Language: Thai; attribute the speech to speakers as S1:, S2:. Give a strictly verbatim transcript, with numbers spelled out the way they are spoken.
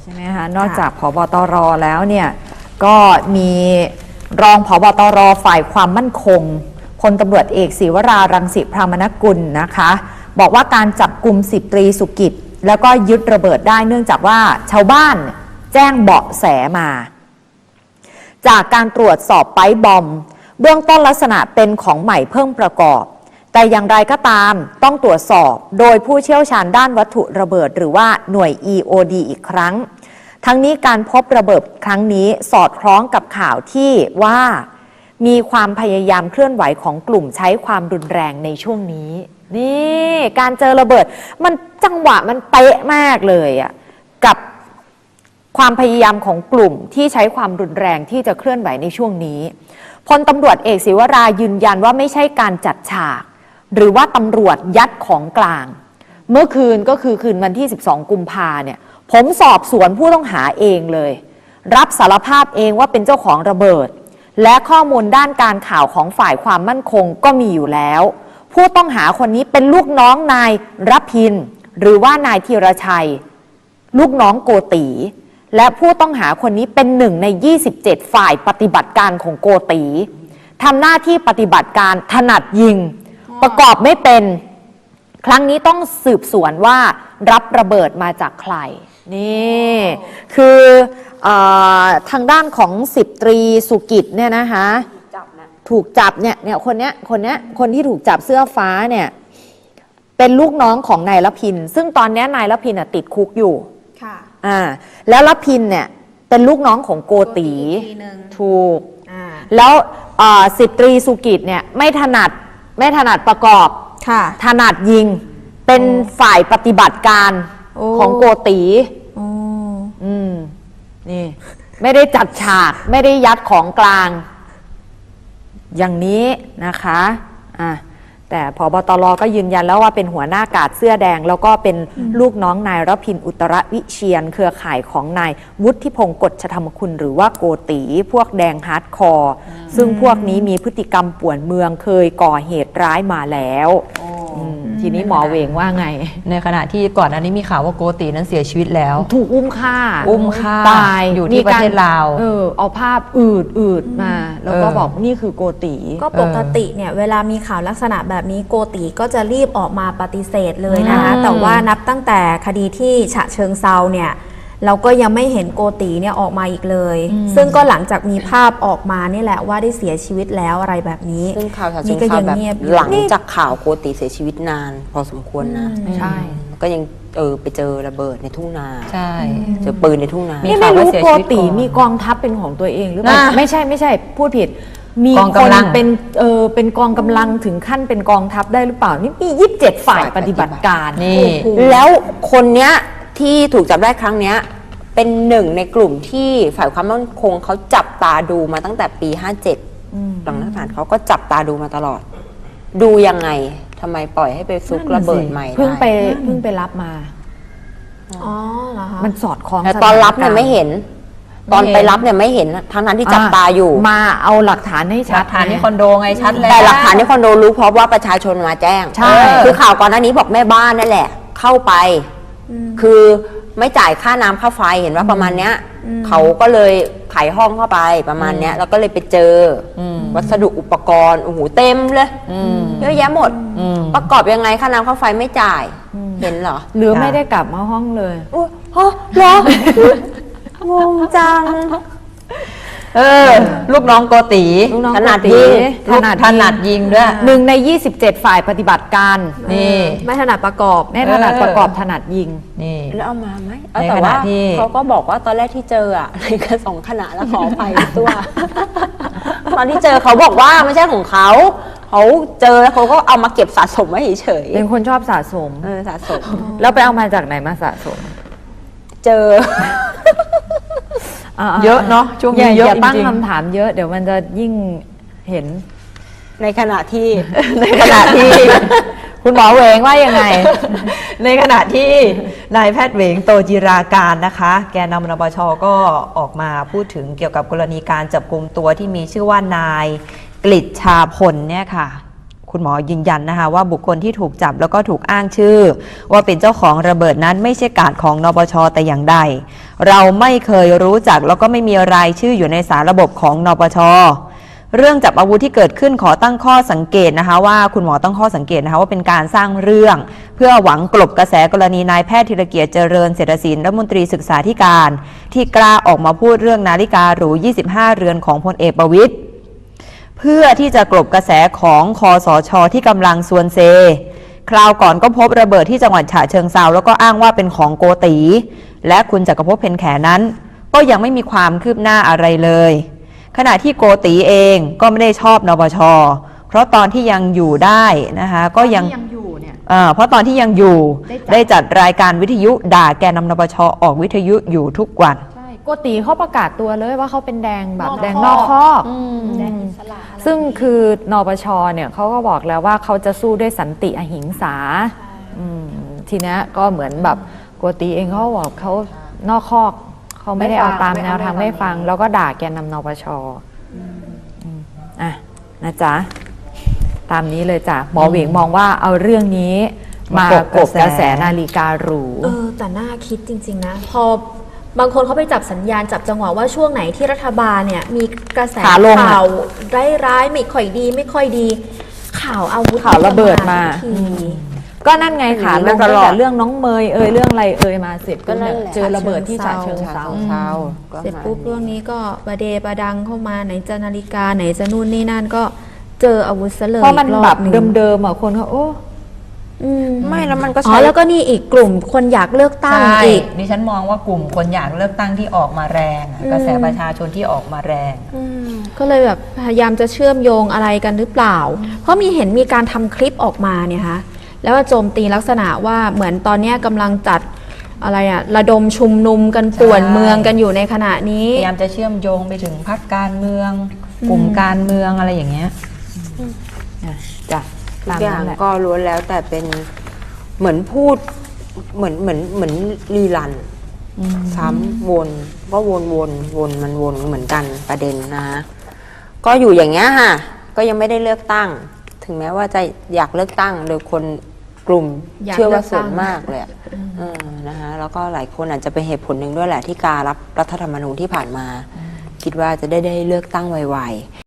S1: ใช่ไหมคะนอกจากผบตรแล้วเนี่ยก็มีรองผบตรฝ่ายความมั่นคงพลตำรวจเอกศิวรารังสิพรามนกุลนะคะบอกว่าการจับกุมสิบตรีสุกิจแล้วก็ยึดระเบิดได้เนื่องจากว่าชาวบ้านแจ้งเบาะแสมาจากการตรวจสอบไปบอมเบื้องต้นลักษณะเป็นของใหม่เพิ่มประกอบแต่อย่างไรก็ตามต้องตรวจสอบโดยผู้เชี่ยวชาญด้านวัตถุระเบิดหรือว่าหน่วย อี โอ ดี อีกครั้งทั้งนี้การพบระเบิดครั้งนี้สอดคล้องกับข่าวที่ว่ามีความพยายามเคลื่อนไหวของกลุ่มใช้ความรุนแรงในช่วงนี้นี่การเจอระเบิดมันจังหวะมันเป๊ะมากเลยอ่ะกับความพยายามของกลุ่มที่ใช้ความรุนแรงที่จะเคลื่อนไหวในช่วงนี้พลตำรวจเอกศิวรายืนยันว่าไม่ใช่การจัดฉากหรือว่าตำรวจยัดของกลางเมื่อคืนก็คือคืนวันที่สิบสองกุมภาเนี่ยผมสอบสวนผู้ต้องหาเองเลยรับสารภาพเองว่าเป็นเจ้าของระเบิดและข้อมูลด้านการข่าวของฝ่ายความมั่นคงก็มีอยู่แล้วผู้ต้องหาคนนี้เป็นลูกน้องนายรพินหรือว่านายธีรชัยลูกน้องโกตีและผู้ต้องหาคนนี้เป็นหนึ่งในยี่สิบเจ็ดฝ่ายปฏิบัติการของโกตีทำหน้าที่ปฏิบัติการถนัดยิงประกอบไม่เป็นครั้งนี้ต้องสืบสวนว่ารับระเบิดมาจากใครนี่คืออทางด้านของสิบตรีสุกิจเนี่ยนะคะถูกจับเนี่ยเนี่ยคนเนี้ยคนเนี้ยคนที่ถูกจับเสื้อฟ้าเนี่ยเป็นลูกน้องของนายรพินซึ่งตอนนี้นายรพินติดคุกอยู่ค่ะอ่าแล้วรพินเนี่ยเป็นลูกน้องของโกตีถูกแล้วสิบตรีสุกิจเนี่ยไม่ถนัดไม่ถนัดประกอบถนัดยิงเป็นฝ่ายปฏิบัติการของโกตีอืมนี่ไม่ได้จัดฉากไม่ได้ยัดของกลางอย่างนี้นะคะอ่ะแต่ผบตรก็ยืนยันแล้วว่าเป็นหัวหน้ากาดเสื้อแดงแล้วก็เป็นลูกน้องนายรพินอุตรวิเชียนเครือข่ายของนายวุฒิพงศ์กฎชธรรมคุณหรือว่าโกตีพวกแดงฮาร์ดคอร์ซึ่งพวกนี้มีพฤติกรรมป่วนเมืองเคยก่อเหตุร้ายมาแล้วทีนี้หมอเวงว่าไง
S2: ในขณะที่ก่อนอันนี้มีข่าวว่าโกตีนั้นเสียชีวิตแล้ว
S1: ถูกอุ้มฆ่า
S2: อุ้มฆ่า
S1: ตาย
S2: อยู่ที่ประเทศลาว
S1: เออเอาภาพอืดอืดมาแล้วก็บอกนี่คือโกตี
S3: ก็ปกติเนี่ยเวลามีข่าวลักษณะแบบนี้โกตีก็จะรีบออกมาปฏิเสธเลยนะคะแต่ว่านับตั้งแต่คดีที่ฉะเชิงเซาเนี่ยเราก็ยังไม่เห็นโกตีเนี่ยออกมาอีกเลยซึ่งก็หลังจากมีภาพออกมานี่แหละว่าได้เสียชีวิตแล้วอะไรแบบนี้
S4: ซึ่งข่าวฉะเชิงเซาแบบหลังจากข่าวโกตีเสียชีวิตนานพอสมควรนะ
S1: ใช่
S4: ก็ยังเออไปเจอระเบิดในทุ่งนา
S2: ใช่
S4: เจอปืนในทุ่งนา
S1: นี่ไม่รู้โกตีมีกองทัพเป็นของตัวเองหรือเปล่าไม่ใช่ไม่ใช่พูดผิดมีคนเป็นเออเป็นกองกำลังถึงขั้นเป็นกองทัพได้หรือเปล่านี่มียี่สิบเจ็ดฝ่ายปฏิบัติการ
S4: นี่แล้วคนเนี้ยที่ถูกจับได้ครั้งเนี้ยเป็นหนึ่งในกลุ่มที่ฝ่ายความมั่นคงเขาจับตาดูมาตั้งแต่ปีห้าเจ็ดหลังรัฐประหารเขาก็จับตาดูมาตลอดดูยังไงทำไมปล่อยให้ไปซุกระเบิดใหม่
S1: เพิ่งไปเพิ่งไปรับมา
S3: อ๋อเหรอคะ
S1: มันสอดคล้อง
S4: แต่ตอนรับเนี่ยไม่เห็นตอนไปรับเนี่ยไม่เห็นทั้งนั้นที่จับตาอยู่
S1: มาเอาหลักฐานให้ชัด
S2: หลักฐานที่คอนโดไงชัดเลย
S4: แต่หลักฐานที่คอนโดรู้เพราะว่าประชาชนมาแจ้ง
S1: ใช่
S4: คือข่าวก่อนหน้านี้บอกแม่บ้านนั่นแหละเข้าไปคือไม่จ่ายค่าน้ำค่าไฟเห็นว่าประมาณเนี้ยเขาก็เลยไขห้องเข้าไปประมาณเนี้ยแล้วก็เลยไปเจอวัสดุอุปกรณ์โอ้โหเต็มเลยเยอะแยะหมดประกอบยังไงค่าน้ำค่าไฟไม่จ่ายเห็นเหรอ
S1: หรือไม่ได้กลับมาห้องเลย
S4: โอ้โหเหรองงจัง
S2: เออลูกน้องโกตี
S4: ถนัดยิง
S2: ถนัดถนัดยิงด้วย
S1: หนึ่งในยี่สิบเจ็ดฝ่ายปฏิบัติการ
S2: นี่
S3: ไม่ถนัดประกอบ
S1: ไม่ถนัดประกอบถนัดยิง
S2: นี่
S4: แล้วเอามาไหมแต่ว่าเขาก็บอกว่าตอนแรกที่เจออ่ะในกระสองขณะแล้วขอไปตัวตอนที่เจอเขาบอกว่าไม่ใช่ของเขาเขาเจอแล้วเขาก็เอามาเก็บสะสมไว้เฉย
S1: ๆเป็นคนชอบสะสม
S4: เออสะสม
S1: แล้วไปเอามาจากไหนมาสะสม
S4: เจอ
S2: เยอะเนาะช่วงนี้เยอะจริงๆ
S1: อย่าตั้งคำถามเยอะเดี๋ยวมันจะยิ่งเห็น
S4: ในขณะที่
S2: ในขณะที่
S1: คุณหมอเหวงว่ายังไง
S2: ในขณะที่นายแพทย์เหวงโตจิราการนะคะแกนนำนปช.ก็ออกมาพูดถึงเกี่ยวกับกรณีการจับกุมตัวที่มีชื่อว่านายกฤษชาพลเนี่ยค่ะคุณหมอยืนยันนะคะว่าบุคคลที่ถูกจับแล้วก็ถูกอ้างชื่อ ว่าเป็นเจ้าของระเบิดนั้นไม่ใช่การของนปช.แต่อย่างใดเราไม่เคยรู้จักแล้วก็ไม่มีรายชื่ออยู่ในสารระบบของนปช.เรื่องจับอาวุธที่เกิดขึ้นขอตั้งข้อสังเกตนะคะว่าคุณหมอตั้งข้อสังเกตนะคะว่าเป็นการสร้างเรื่องเพื่อหวังกลบกระแสกรณีนายแพทย์ธีรเกียรติเจริญเศรษฐศิลป์รัฐมนตรีศึกษาธิการที่กล้าออกมาพูดเรื่องนาฬิกาหรูยี่สิบห้าเรือนของพลเอกประวิตรเพื่อที่จะกลบกระแสของคสช.ที่กำลังซวนเซคราวก่อนก็พบระเบิดที่จังหวัดฉะเชิงเทราแล้วก็อ้างว่าเป็นของโกตีและคุณจักรภพเพ็ญแขนั้นก็ยังไม่มีความคืบหน้าอะไรเลยขณะที่โกตีเองก็ไม่ได้ชอบนปช.เพราะตอนที่ยังอยู่ได้นะคะก็ยัง
S1: ยังอยู่เนี่ย
S2: อ่าเพราะตอนที่ยังอยู่
S1: ได้จัด
S2: ได้จัดรายการวิทยุด่าแกนนำนปช.ออกวิทยุอยู่ทุกวัน
S1: ใช่โกติเขาประกาศตัวเลยว่าเขาเป็นแดงแบบ
S3: นอก
S1: แดง
S3: ค
S1: น
S3: อ
S1: อก กคอก
S3: แดงอิสระอะไร
S1: ซึ่งคือนปชเนี่ยเขาก็บอกแล้วว่าเขาจะสู้ด้วยสันติอหิงสาอืมทีนี้ก็เหมือนแบบโกติเองเขาบอกเขานอกคอกเขาไม่ได้เอาตามแนวทางไม่ฟัง แล้วก็ด่าแกนนำนปชอืมอ่ะนะจ๊ะตามนี้เลยจ้ะหมอเหวงมองว่าเอาเรื่องนี้มากบกระแสนาฬิกาหรู
S3: เออแต่น่าคิดจริงๆนะพอบางคนเขาไปจับสัญญาณจับจังหวะว่าช่วงไหนที่รัฐบาลเนี่ยมีกระแส
S1: ขาลงอะ
S3: ข่าวร้ายๆไม่ค่อยดีไม่ค่อยดี ข่าวอาวุธ
S1: ข่าวระเบิดมา
S3: ทุกที
S1: ก็นั่นไงขาลง
S4: ต
S1: ตั้ง
S4: ลอด
S1: แต่เรื่องน้องเมยเอ่ยเรื่องอะไรเอ่ยมาเสร็จ
S4: ก็
S1: ก็
S4: นั่
S1: เนี่ย
S4: นแหละ
S1: เจอระเบิดที่ฉะเชิงเทรา
S4: เช้าก็
S3: เสร็จ
S4: มา
S3: ปุ๊บเรื่องนี้ก็ประเดประดังเข้ามาไหนจะนาฬิกาไหนจะนู่นนี่นั่นก็เจออาวุธซะเลย
S1: เพราะมัน
S3: อีกอ
S1: แบบ
S3: หง
S1: เดิมๆอ่ะคนเขาโอ้
S3: อืม
S4: ไม่แล้วมันก็
S3: อ๋อ
S4: ใช้
S3: แล้วก็นี่อีกกลุ่มคนอยากเลือกตั้ง
S2: ใช่
S3: อีก
S2: ดิฉันมองว่ากลุ่มคนอยากเลือกตั้งที่ออกมาแรงอะ
S3: อืม
S2: กระแสประชาชนที่ออกมาแรง
S3: ก็เลยแบบพยายามจะเชื่อมโยงอะไรกันหรือเปล่า เพราะมีเห็นมีการทำคลิปออกมาเนี่ยคะแล้วว่าโจมตีลักษณะว่าเหมือนตอนเนี้ยกำลังจัดอะไรอะระดมชุมนุมกันป่วนเมืองกันอยู่ในขณะนี้
S2: พยายามจะเชื่อมโยงไปถึงพรรคการเมือง กลุ่มการเมืองอะไรอย่างเงี้ย
S1: จ้ะ
S4: ทุ
S1: ตาก ม
S4: อย่า
S1: นั้
S4: ง
S1: นแหละ
S4: ก็ล้วนแล้วแต่เป็นเหมือนพูดเหมือนเหมือนเหมือนรีรันซ้ำวนก็วนวนวนมันวนเหมือนกันประเด็นนะก็อยู่อย่างเงี้ยค่ะก็ยังไม่ได้เลือกตั้ง ถึงแม้ว่าจะอยากเลือกตั้งโดยคนกลุ่ม
S3: อยาก
S4: เชื่อว่า
S3: เลือกตั้ง
S4: ส่วนมากเลยอะเออนะคะแล้วก็หลายคนอาจจะเป็นเหตุผลหนึ่งด้วยแหละที่การรับรัฐธรรมนูญที่ผ่านมา คิดว่าจะได้ได้เลือกตั้งไวๆ